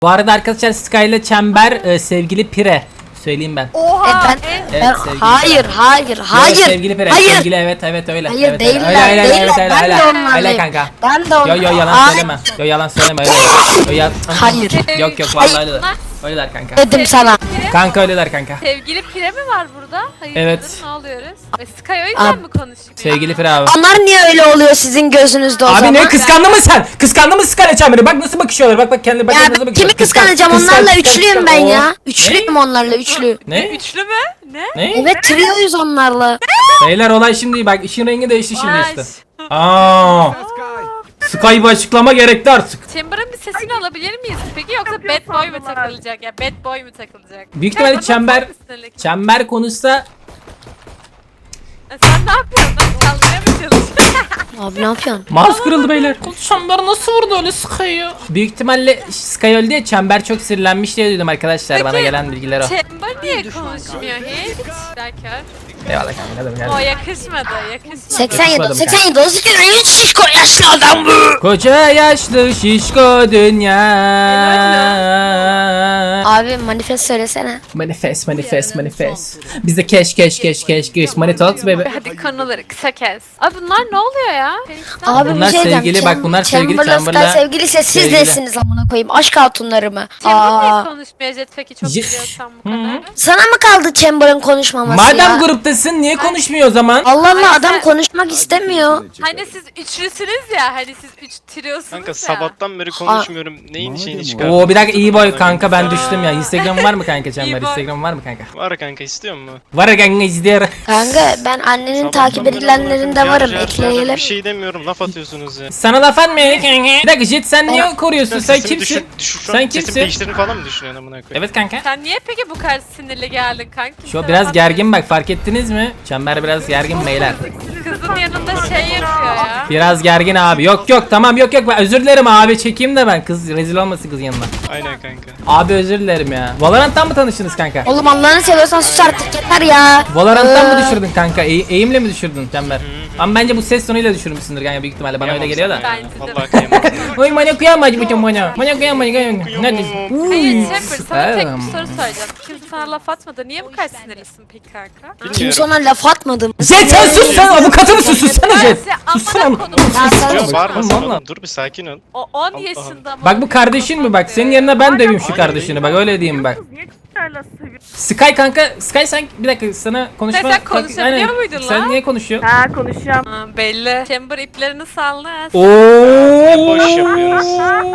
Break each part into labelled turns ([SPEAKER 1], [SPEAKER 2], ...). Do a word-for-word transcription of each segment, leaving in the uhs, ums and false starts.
[SPEAKER 1] Bu arada arkadaşlar Sky ile Çember e, sevgili Pire. Söyleyeyim ben.
[SPEAKER 2] Oha.
[SPEAKER 3] E ben,
[SPEAKER 1] Evet,
[SPEAKER 3] ben
[SPEAKER 1] sevgili
[SPEAKER 3] hayır,
[SPEAKER 1] Pire.
[SPEAKER 3] hayır, hayır.
[SPEAKER 1] Yo, sevgili Pire.
[SPEAKER 3] Hayır.
[SPEAKER 1] Sevgili evet evet öyle.
[SPEAKER 3] Hayır
[SPEAKER 1] evet,
[SPEAKER 3] değiller,
[SPEAKER 1] öyle, öyle,
[SPEAKER 3] değiller.
[SPEAKER 1] öyle, öyle,
[SPEAKER 3] Ben
[SPEAKER 1] öyle,
[SPEAKER 3] de
[SPEAKER 1] öyle,
[SPEAKER 3] onlarlayım.
[SPEAKER 1] öyle kanka.
[SPEAKER 3] Ben de
[SPEAKER 1] Yo
[SPEAKER 3] onlarlayım.
[SPEAKER 1] yo yalan
[SPEAKER 3] Ay,
[SPEAKER 1] söyleme. Yo yalan söyleme öyle. Yo yalan.
[SPEAKER 3] Hayır.
[SPEAKER 1] Yok yok vallahi öyleler. Öyleler kanka.
[SPEAKER 3] Dedim sana.
[SPEAKER 1] Kanka öyleler kanka.
[SPEAKER 2] Sevgili Pire mi var burada? Hayır.
[SPEAKER 1] Evet.
[SPEAKER 2] Ne oluyoruz? Ve Sky o yüzden
[SPEAKER 3] Abi,
[SPEAKER 2] mi konuşmuyor?
[SPEAKER 1] Sevgili Pire abi.
[SPEAKER 3] Onlar niye öyle oluyor sizin gözünüzde o
[SPEAKER 1] Abi
[SPEAKER 3] zaman?
[SPEAKER 1] ne kıskandın mı sen? Kıskandın mı Sky ile Çember'i? Bak nasıl bakışıyorlar. Bak bak kendi bak
[SPEAKER 3] Ya
[SPEAKER 1] nasıl
[SPEAKER 3] ben
[SPEAKER 1] bakışıyorlar.
[SPEAKER 3] kimi
[SPEAKER 1] Kıskan-
[SPEAKER 3] kıskanacağım?
[SPEAKER 1] kıskan-
[SPEAKER 3] Onlarla
[SPEAKER 1] kıskan-
[SPEAKER 3] üçlüyüm
[SPEAKER 1] kıskan-
[SPEAKER 3] ben
[SPEAKER 1] Oo.
[SPEAKER 3] ya. Üçlüyüm onlarla üçlü.
[SPEAKER 1] Ne?
[SPEAKER 2] Üçlü mü? Ne?
[SPEAKER 1] Ne?
[SPEAKER 3] Evet trioyuz onlarla.
[SPEAKER 1] Beyler olay şimdi bak işin rengi değişti şimdi
[SPEAKER 2] Vay.
[SPEAKER 1] işte. Aa. Sky bir açıklama gerekti artık.
[SPEAKER 2] Chamber'ın bir sesini alabilir miyiz? Peki yoksa bad boy mu takılacak ya? Bad boy mu takılacak?
[SPEAKER 1] Büyük ihtimalle
[SPEAKER 2] Ya,
[SPEAKER 1] Çember
[SPEAKER 2] bana sinirlik.
[SPEAKER 1] Çember konuşsa
[SPEAKER 2] Ya Sen ne yapıyorsun? Lan kaldırmaya mı çalışıyorsun?
[SPEAKER 3] Abi ne yapıyorsun?
[SPEAKER 1] mouse kırıldı beyler. Çember nasıl vurdu öyle Sky'ı? Büyük ihtimalle Sky öldü diye Çember çok sinirlenmiş diye duydum arkadaşlar.
[SPEAKER 2] Peki,
[SPEAKER 1] Bana gelen bilgiler o.
[SPEAKER 2] Chamber niye konuşmuyor hiç? Derken.
[SPEAKER 1] Eyvallah kanka. Hadi
[SPEAKER 2] O
[SPEAKER 1] gel.
[SPEAKER 2] yakışmadı, yakışmadı.
[SPEAKER 3] seksen yedi,
[SPEAKER 1] Yakışmadım
[SPEAKER 3] seksen yedi, otuz iki, üç şişko yaşlı adam bu.
[SPEAKER 1] Koca yaşlı şişko dünya.
[SPEAKER 3] Abi manifest söylesene.
[SPEAKER 1] Manifest manifest manifest. Bizde cash cash cash cash cash money talks baby.
[SPEAKER 2] Hadi konuları kısa kes. Abi bunlar ne oluyor ya?
[SPEAKER 3] Abi
[SPEAKER 1] Bunlar
[SPEAKER 3] bir şey diyeceğim.
[SPEAKER 1] sevgili, bak bunlar sevgili,
[SPEAKER 3] Chamberlain
[SPEAKER 1] Chamberlain.
[SPEAKER 3] Sky sevgiliyse siz
[SPEAKER 1] Sevgili.
[SPEAKER 3] nesiniz amına koyayım? Aşk hatunları mı?
[SPEAKER 2] Chamber niye
[SPEAKER 3] Aa.
[SPEAKER 2] konuşmuyor Jet peki çok
[SPEAKER 1] Ye-
[SPEAKER 2] biliyorsan bu kadar.
[SPEAKER 3] Sana mı kaldı Chamber'ın konuşmaması
[SPEAKER 1] Madem
[SPEAKER 3] ya?
[SPEAKER 1] gruptasın niye konuşmuyor o zaman?
[SPEAKER 3] Allah Allah
[SPEAKER 2] Ay,
[SPEAKER 3] adam
[SPEAKER 2] sen-
[SPEAKER 3] konuşmak istemiyor.
[SPEAKER 2] Hani siz üçlüsünüz ya, hani siz üç triosunuz
[SPEAKER 4] Kanka
[SPEAKER 2] ya.
[SPEAKER 4] sabahtan beri konuşmuyorum. Neyin şeyini çıkardın?
[SPEAKER 1] Oo bir dakika iyi boy kanka ben düştüm ya. Instagram var mı kanka Çember?
[SPEAKER 2] İyi boy.
[SPEAKER 1] Instagram var mı kanka?
[SPEAKER 4] Var kanka istiyor musun?
[SPEAKER 1] Var ya kanka izliyor.
[SPEAKER 3] Kanka ben annenin
[SPEAKER 4] Sabahtan
[SPEAKER 3] takip
[SPEAKER 4] beri
[SPEAKER 3] edilenlerinde
[SPEAKER 4] bırakın,
[SPEAKER 3] varım.
[SPEAKER 4] car car
[SPEAKER 3] Ekleyelim.
[SPEAKER 4] Bir şey demiyorum laf atıyorsunuz ya.
[SPEAKER 1] Sana laf atmıyor kanka. Bir dakika Jet sen niye koruyorsun? Sen
[SPEAKER 4] Sesimi
[SPEAKER 1] kimsin?
[SPEAKER 4] düşür- düşür- şu an
[SPEAKER 1] Sen
[SPEAKER 4] sesimi
[SPEAKER 1] kimsin?
[SPEAKER 4] değiştirdiğini falan mı düşünüyorsun amına koyayım?
[SPEAKER 1] Evet kanka.
[SPEAKER 2] Sen niye peki bu kadar sinirli geldin kanki?
[SPEAKER 1] Şu
[SPEAKER 2] Sana
[SPEAKER 1] biraz
[SPEAKER 2] bak-
[SPEAKER 1] gergin bak fark ettiniz mi? Çember biraz gergin beyler.
[SPEAKER 2] Kızın yanında şey yapıyor ya.
[SPEAKER 1] Biraz gergin abi. Yok yok tamam yok yok ben özür dilerim abi çekeyim de ben kız rezil olmasın kız yanına.
[SPEAKER 4] Aynen kanka.
[SPEAKER 1] Abi özür dilerim ya. Valorant'tan mı tanıştınız kanka?
[SPEAKER 3] Oğlum Allah'ını seviyorsan sus artık yeter ya.
[SPEAKER 1] Valorant'tan mı
[SPEAKER 3] Ee,
[SPEAKER 1] düşürdün kanka? E eğimle mi düşürdün Çember? Ama bence bu ses tonuyla düşürmüşsündür kanka büyük ihtimalle bana öyle geliyor da.
[SPEAKER 2] Bence de.
[SPEAKER 4] Vallahi kıyamam.
[SPEAKER 1] Oy manyak kıyamacı bu çom bana. Manyak kıyamacı kıyamacı. Ne diyorsun?
[SPEAKER 2] Hayır Chamber sana tek
[SPEAKER 1] Tamam.
[SPEAKER 2] bir soru soracağım. Kimse sana laf atmadı. Niye bu kadar sinirlisin peki kanka?
[SPEAKER 3] Kimse
[SPEAKER 4] Bilmiyorum.
[SPEAKER 3] ona laf atmadı.
[SPEAKER 1] Jet sen sus sen avukatı mısın sussana Jet.
[SPEAKER 2] Ben
[SPEAKER 1] Sussana.
[SPEAKER 2] amına konum.
[SPEAKER 3] Ya sen
[SPEAKER 4] Yok bağırma sen
[SPEAKER 1] Vallahi.
[SPEAKER 4] oğlum dur bir sakin ol.
[SPEAKER 2] O on yaşında mı?
[SPEAKER 1] Bak bu kardeşin mi bak senin yerine ben döveyim şu kardeşini bak öyle diyeyim bak. Sky kanka Sky sen bir dakika sana konuşma.
[SPEAKER 2] Sen konuşabiliyor
[SPEAKER 1] Aynen.
[SPEAKER 2] muydun
[SPEAKER 1] Sen
[SPEAKER 2] lan?
[SPEAKER 1] niye konuşuyorsun?
[SPEAKER 5] Ha konuşacağım.
[SPEAKER 2] Ha, belli. Chamber iplerini salldı.
[SPEAKER 1] Oo.
[SPEAKER 4] Boş yapıyorsunuz.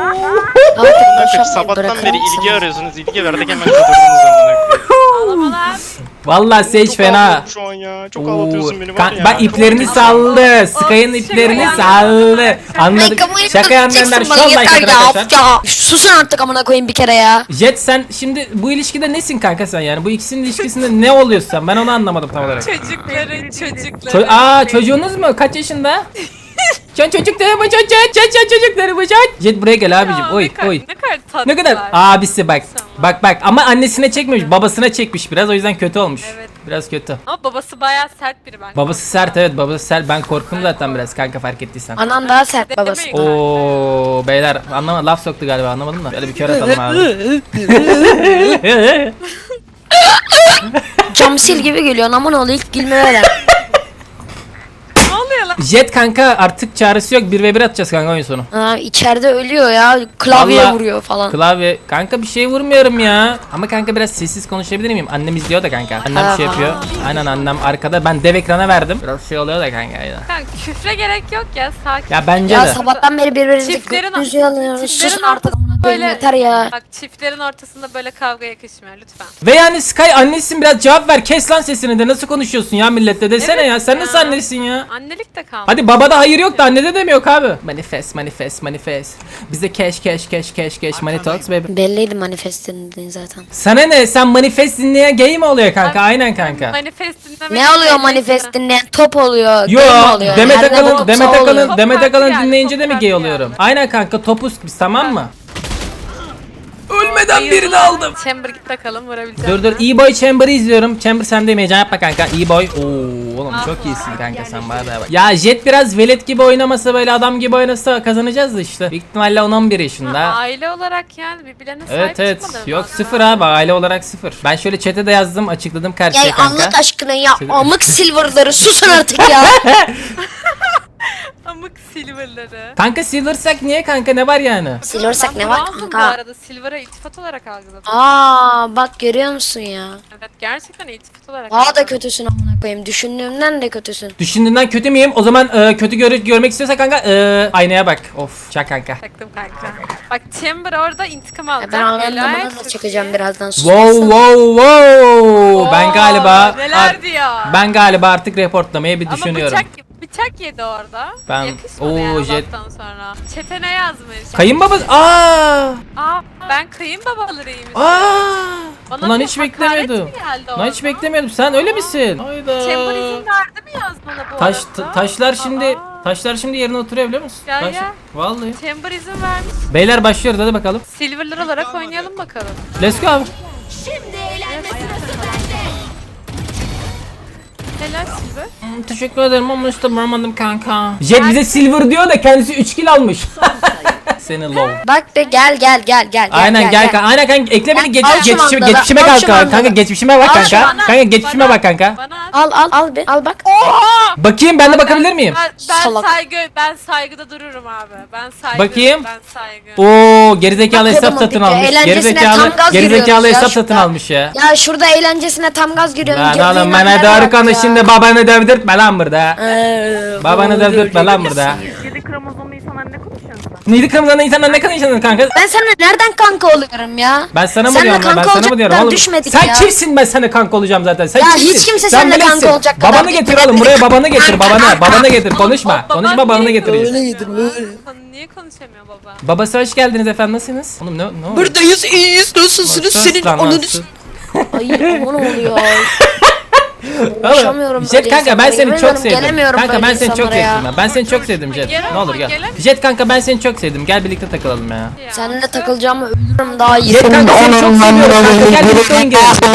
[SPEAKER 4] Kanka sabahtan beri ilgi arıyorsunuz. İlgi verdik hemen kadırdınız amına koyayım.
[SPEAKER 2] Ağlamalar.
[SPEAKER 1] Vallahi Sage
[SPEAKER 4] Çok
[SPEAKER 1] fena.
[SPEAKER 4] ağlatıyorum şu an ya. Çok ağlatıyorsun beni var
[SPEAKER 1] Kan-
[SPEAKER 4] ya.
[SPEAKER 1] bak iplerini saldı. Sky'ın iplerini
[SPEAKER 2] şaka
[SPEAKER 1] saldı. Anladık. Şaka anlayanlar şu an like atın arkadaşlar.
[SPEAKER 3] Ya susun artık amına koyayım bir kere ya.
[SPEAKER 1] Jet sen şimdi bu ilişkide nesin kanka sen yani? Bu ikisinin ilişkisinde ne oluyorsun sen? Ben onu anlamadım tam olarak.
[SPEAKER 2] Çocukları, çocukları.
[SPEAKER 1] Ço- Aa çocuğunuz mu? Kaç yaşında? Çocuk çocukları mı çocuk? Çocuk çocukları mı çocuk? Jet buraya gel abicim.
[SPEAKER 2] Ya,
[SPEAKER 1] Oy
[SPEAKER 2] ne kadar-
[SPEAKER 1] oy.
[SPEAKER 2] Ne kadar tatlı.
[SPEAKER 1] Ne kadar abisi bak. Bak bak ama annesine çekmemiş, babasına çekmiş biraz o yüzden kötü olmuş.
[SPEAKER 2] Evet.
[SPEAKER 1] Biraz kötü.
[SPEAKER 2] Ama babası bayağı sert biri ben.
[SPEAKER 1] Babası sert evet babası sert. Ben korktum zaten biraz kanka fark ettiysen.
[SPEAKER 3] Anan daha sert babası.
[SPEAKER 2] Demeyin.
[SPEAKER 1] Oo beyler anlama laf soktu galiba anlamadım da. Böyle bir kör atalım abi.
[SPEAKER 3] Cam sil gibi geliyor aman oğlu ilk gülme veren.
[SPEAKER 2] Ne oluyor lan?
[SPEAKER 1] Jet kanka artık çaresi yok bir ve bir atacağız kanka oyun sonu.
[SPEAKER 3] Ha, içeride ölüyor ya klavye
[SPEAKER 1] Vallahi
[SPEAKER 3] vuruyor falan.
[SPEAKER 1] Klavye kanka bir şey vurmuyorum ya. Ama kanka biraz sessiz konuşabilir miyim? Annem izliyor da kanka. Annem şey yapıyor. Aynen annem arkada ben dev ekrana verdim. Biraz şey oluyor da kanka ya.
[SPEAKER 2] Kanka küfre gerek yok ya, sakin.
[SPEAKER 1] Ya bence
[SPEAKER 3] Ya
[SPEAKER 1] de.
[SPEAKER 3] sabahtan beri birbirinizi
[SPEAKER 2] Çiftlerin-
[SPEAKER 3] götünüzü yalıyorsunuz.
[SPEAKER 2] çiftlerin
[SPEAKER 3] Susun artık amına koyayım
[SPEAKER 2] böyle-
[SPEAKER 3] yeter ya.
[SPEAKER 2] Bak çiftlerin ortasında böyle kavga yakışmıyor lütfen.
[SPEAKER 1] Ve yani Sky annesin biraz cevap ver. Kes lan sesini de nasıl konuşuyorsun ya millette desene
[SPEAKER 2] Evet
[SPEAKER 1] ya. Sen
[SPEAKER 2] ya.
[SPEAKER 1] nasıl annesin ya?
[SPEAKER 2] Annelik de kalmadı.
[SPEAKER 1] Hadi babada hayır yok da annede de mi yok abi? Manifest manifest manifest. Bize cash cash cash cash cash money talks baby.
[SPEAKER 3] Belliydi manifestin dediğin zaten.
[SPEAKER 1] Sana ne? Sen manifest dinleyen gay mi oluyor kanka?
[SPEAKER 2] Abi,
[SPEAKER 1] Aynen kanka.
[SPEAKER 2] Manifest dinlemek
[SPEAKER 3] Ne oluyor
[SPEAKER 2] belli
[SPEAKER 3] manifest
[SPEAKER 2] ki.
[SPEAKER 3] dinleyen top oluyor.
[SPEAKER 1] Yo
[SPEAKER 3] game oluyor.
[SPEAKER 1] Demet
[SPEAKER 3] Nerede
[SPEAKER 1] Akalın
[SPEAKER 3] topsa
[SPEAKER 1] Demet
[SPEAKER 3] oluyor.
[SPEAKER 1] Akalın
[SPEAKER 2] Top
[SPEAKER 1] Demet
[SPEAKER 2] parti
[SPEAKER 1] Akalın
[SPEAKER 2] geldi,
[SPEAKER 1] dinleyince
[SPEAKER 2] top
[SPEAKER 1] de mi
[SPEAKER 2] parti
[SPEAKER 1] gay
[SPEAKER 2] geldi.
[SPEAKER 1] oluyorum? Aynen kanka topuz biz tamam mı? Ölmedi. Neden birini aldım?
[SPEAKER 2] Chamber git bakalım vurabilecek
[SPEAKER 1] Dur dur
[SPEAKER 2] mi?
[SPEAKER 1] E-Boy Chamber'ı izliyorum. Chamber sendeyim, heyecan yapma kanka. E-Boy. Oo oğlum çok iyisin kanka sen bana da bak. Ya Jet biraz velet gibi oynamasa, böyle adam gibi oynasa kazanacağız da işte. Büyük ihtimalle on on bir yaşında.
[SPEAKER 2] Ha, aile olarak yani birbirlerine sahip
[SPEAKER 1] Evet evet.
[SPEAKER 2] çıkmaları
[SPEAKER 1] Yok
[SPEAKER 2] lazım.
[SPEAKER 1] sıfır abi, aile olarak sıfır. Ben şöyle chat'e de yazdım, açıkladım karşıya
[SPEAKER 3] Ya
[SPEAKER 1] kanka.
[SPEAKER 3] Allah aşkına ya
[SPEAKER 1] Şey-
[SPEAKER 3] amık silverları susun artık ya.
[SPEAKER 2] Amık silverları.
[SPEAKER 1] Kanka silversak niye kanka, ne var yani?
[SPEAKER 3] Silversak
[SPEAKER 2] Ben
[SPEAKER 3] ne var
[SPEAKER 2] bronzum Bu
[SPEAKER 3] kanka?
[SPEAKER 2] arada Silver'a iltifat olarak algıladım.
[SPEAKER 3] Aa bak görüyor musun ya?
[SPEAKER 2] Evet gerçekten iltifat olarak
[SPEAKER 3] Daha da
[SPEAKER 2] algıladım.
[SPEAKER 3] kötüsün amına koyayım. Düşündüğümden de kötüsün.
[SPEAKER 1] Düşündüğünden kötü müyüm? O zaman e, kötü gör görmek istiyorsa kanka e, aynaya bak. Of çak kanka.
[SPEAKER 2] Taktım kanka. Bak Chamber orada intikam alacak.
[SPEAKER 3] Ben
[SPEAKER 2] Helal
[SPEAKER 3] anlamına da
[SPEAKER 2] çok
[SPEAKER 3] çıkacağım
[SPEAKER 2] iyi.
[SPEAKER 3] birazdan.
[SPEAKER 1] Wow wow wow. Ben
[SPEAKER 2] Oo,
[SPEAKER 1] galiba
[SPEAKER 2] neler
[SPEAKER 1] ar-
[SPEAKER 2] diyor.
[SPEAKER 1] ben galiba artık reportlamayı bir
[SPEAKER 2] Ama
[SPEAKER 1] düşünüyorum.
[SPEAKER 2] bıçak, bıçak yedi orada.
[SPEAKER 1] Ben-
[SPEAKER 2] Yakışmadı
[SPEAKER 1] Oo,
[SPEAKER 2] yani
[SPEAKER 1] jet-
[SPEAKER 2] Allah'tan sonra. Çete ne yazmış?
[SPEAKER 1] Kayınbaba. Aa!
[SPEAKER 2] Aa ben kayınbabalarıyım.
[SPEAKER 1] Aa!
[SPEAKER 2] Bana
[SPEAKER 1] Ulan
[SPEAKER 2] bir
[SPEAKER 1] hiç
[SPEAKER 2] hakaret
[SPEAKER 1] beklemiyordum.
[SPEAKER 2] mi geldi
[SPEAKER 1] Ulan hiç
[SPEAKER 2] orada?
[SPEAKER 1] beklemiyordum. Sen öyle misin? Hayda.
[SPEAKER 2] Chamber izin verdi mi yazmana bu
[SPEAKER 1] Taş
[SPEAKER 2] arada?
[SPEAKER 1] ta- taşlar şimdi
[SPEAKER 2] Aa,
[SPEAKER 1] taşlar şimdi yerine oturuyor biliyor musun?
[SPEAKER 2] Ya,
[SPEAKER 1] Taş-
[SPEAKER 2] ya.
[SPEAKER 1] Vallahi.
[SPEAKER 2] Chamber izin vermiş.
[SPEAKER 1] Beyler başlıyoruz hadi bakalım.
[SPEAKER 2] Silver'lar olarak oynayalım bakalım.
[SPEAKER 1] Let's go abi.
[SPEAKER 2] Helal Silver.
[SPEAKER 1] Hmm, teşekkür ederim ama işte vuramadım kanka. Jet bize silver diyor da kendisi üç kill almış. Seni low.
[SPEAKER 3] Bak be gel gel gel gel.
[SPEAKER 1] Aynen gel kanka. Aynen kanka ekle beni
[SPEAKER 3] Gel,
[SPEAKER 1] geç,
[SPEAKER 3] al şu
[SPEAKER 1] geçmişime
[SPEAKER 3] mandalı,
[SPEAKER 1] geçmişime
[SPEAKER 3] al
[SPEAKER 1] kalk
[SPEAKER 3] şu
[SPEAKER 1] kanka.
[SPEAKER 3] mandalı.
[SPEAKER 1] Kanka geçmişime bak
[SPEAKER 3] Al şu
[SPEAKER 1] kanka.
[SPEAKER 3] mandalı.
[SPEAKER 1] Kanka geçmişime
[SPEAKER 2] Bana-
[SPEAKER 1] bak kanka.
[SPEAKER 2] Bana at.
[SPEAKER 3] Al al al be al bak.
[SPEAKER 1] Bakayım ben de bakabilir miyim?
[SPEAKER 2] Ben, ben
[SPEAKER 3] Salak.
[SPEAKER 2] saygı ben saygıda dururum abi. Ben saygı.
[SPEAKER 1] Bakayım.
[SPEAKER 2] Ben saygı.
[SPEAKER 1] Oo gerizekalı
[SPEAKER 3] Bak,
[SPEAKER 1] hesap
[SPEAKER 3] kodumun
[SPEAKER 1] satın
[SPEAKER 3] peki,
[SPEAKER 1] almış.
[SPEAKER 3] eğlencesine
[SPEAKER 1] Gerizekalı
[SPEAKER 3] tam gaz
[SPEAKER 1] gerizekalı
[SPEAKER 3] giriyoruz ya
[SPEAKER 1] hesap
[SPEAKER 3] şurada.
[SPEAKER 1] satın almış ya.
[SPEAKER 3] Ya şurada eğlencesine tam gaz giriyorum.
[SPEAKER 1] Lan
[SPEAKER 3] girdiğin
[SPEAKER 1] oğlum bana
[SPEAKER 3] hallere
[SPEAKER 1] doğru
[SPEAKER 3] bak ya.
[SPEAKER 1] konuş şimdi, babanı dövdürtme lan burada.
[SPEAKER 3] Ee,
[SPEAKER 1] Babanı dövdürtme lan burada.
[SPEAKER 5] yedi kromozomlu insanlar ne konuşuyorsun sen?
[SPEAKER 1] Neydi kırmızı insanlar ne konuşuyorsun kanka?
[SPEAKER 3] Ben sana nereden kanka oluyorum ya?
[SPEAKER 1] Ben sana mı
[SPEAKER 3] Seninle
[SPEAKER 1] diyorum lan? Ben
[SPEAKER 3] kanka
[SPEAKER 1] sana mı diyorum
[SPEAKER 3] olacaktan
[SPEAKER 1] oğlum?
[SPEAKER 3] düşmedik
[SPEAKER 1] Sen
[SPEAKER 3] ya.
[SPEAKER 1] kimsin, ben sana kanka olacağım zaten. Sen
[SPEAKER 3] Ya
[SPEAKER 1] kimsin?
[SPEAKER 3] hiç kimse
[SPEAKER 1] Sen
[SPEAKER 3] seninle kanka
[SPEAKER 1] bilirsin.
[SPEAKER 3] olacak kadar
[SPEAKER 1] Babanı
[SPEAKER 3] değil.
[SPEAKER 1] getir oğlum buraya, babanı getir babanı. Babanı getir konuşma.
[SPEAKER 2] Baban
[SPEAKER 1] Konuşma
[SPEAKER 2] niye
[SPEAKER 1] babanı getir.
[SPEAKER 2] konuşamıyor lan? Baban niye konuşamıyor baba?
[SPEAKER 1] Babası hoş geldiniz efendim, nasılsınız? Oğlum ne ne oldu?
[SPEAKER 3] Buradayız iyiyiz nasılsınız
[SPEAKER 1] Sus
[SPEAKER 3] senin
[SPEAKER 1] lan,
[SPEAKER 3] onunu...
[SPEAKER 1] sus.
[SPEAKER 3] Ay aman oluyor.
[SPEAKER 1] Oğlum,
[SPEAKER 3] Uğraşamıyorum
[SPEAKER 1] Jet
[SPEAKER 3] böyle
[SPEAKER 1] kanka ben
[SPEAKER 3] insanlara,
[SPEAKER 1] seni
[SPEAKER 3] yemin
[SPEAKER 1] çok
[SPEAKER 3] ederim
[SPEAKER 1] sevdim.
[SPEAKER 3] gelemiyorum
[SPEAKER 1] Kanka
[SPEAKER 3] böyle
[SPEAKER 1] ben seni çok
[SPEAKER 3] insanlara ya.
[SPEAKER 1] sevdim. ya. Ben seni çok sevdim Jet.
[SPEAKER 2] Gel
[SPEAKER 1] Ne
[SPEAKER 2] ama
[SPEAKER 1] olur gel.
[SPEAKER 2] gel.
[SPEAKER 1] Jet kanka ben seni çok sevdim. Gel birlikte takılalım ya.
[SPEAKER 2] Ya.
[SPEAKER 3] Seninle takılacağımı ölürüm daha iyi.
[SPEAKER 1] Jet kanka seni çok seviyorum kanka, gel birlikte oyun girelim.